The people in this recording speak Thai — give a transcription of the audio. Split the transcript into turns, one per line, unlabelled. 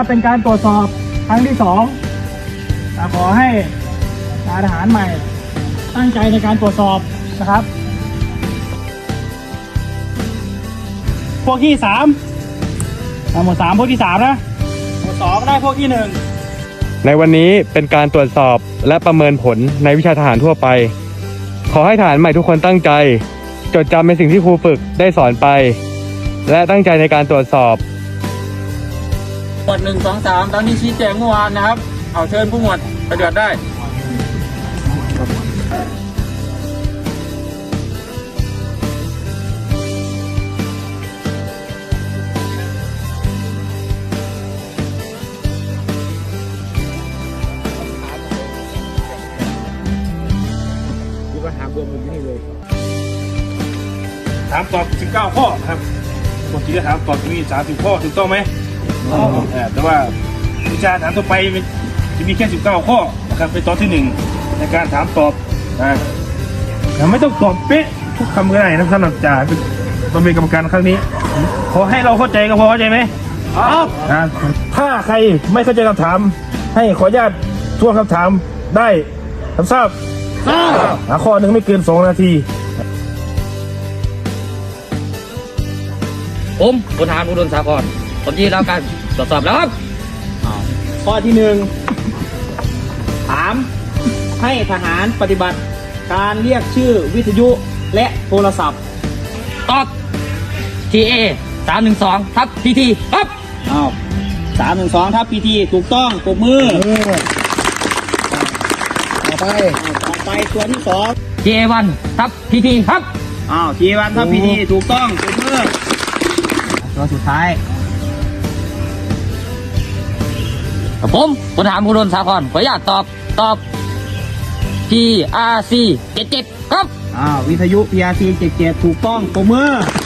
นะครับเป็นการตรวจสอบครั้งที่2ขอให้ทหารใหม่ตั้งใจในการตรวจสอบนะครับพวกที่3หมวด3พวกที่3นะหมวด2ได้พวกที่1
ในวันนี้เป็นการตรวจสอบและประเมินผลในวิชาทหารทั่วไปขอให้ทหารใหม่ทุกคนตั้งใจจดจำในสิ่งที่ครูฝึกได้สอนไปและตั้งใจในการตรวจสอบ
หมวด1 2 3ตามที่ชี้แจงเมื่อวานนะครับเอาเชิญผู้หมวดปฏิบัติได้ถามตอบ19ข้อครับปกติจะถามตอบมี30ข้อถูกต้องไหมแต่ว่าวิชาถามทั่วไปจะมีแค่19ข้อนะครับเป็นตอนที่1ในการถามตอบไม่ต้องตอบเป๊ะทุกคำก็ได้นะสำหรับจ่าต้องเป็นกรรมการครั้งนี้ขอให้เราเข้าใจก็พอเข้าใจไหมครับถ้าใครไม่เข้าใจคำถามให้ขออนุญาตทวนคำถามได้รับทราบข้อหนึ่งไม่เกิน2 นาที
ผมพลทหารอุดมสาครผมที่รับการตรวจสอบแล้วครับ
ข้อที่1ถามให้ทหารปฏิบัติการเรียกชื่อวิทยุและโทรศัพท์
ตอบ TA 312 PT ครับ
312 PT ถูกต้องปรบมือต่อไปตัวที่2
TA1 PT ครับ
T1 PT ถูกต้องปรบมือตัวสุดท้าย
ผมพลทหารอุดมสาครขออนุญาตตอบ PRC 77ครับ
วิทยุ PRC 77ถูกต้องปรบมือ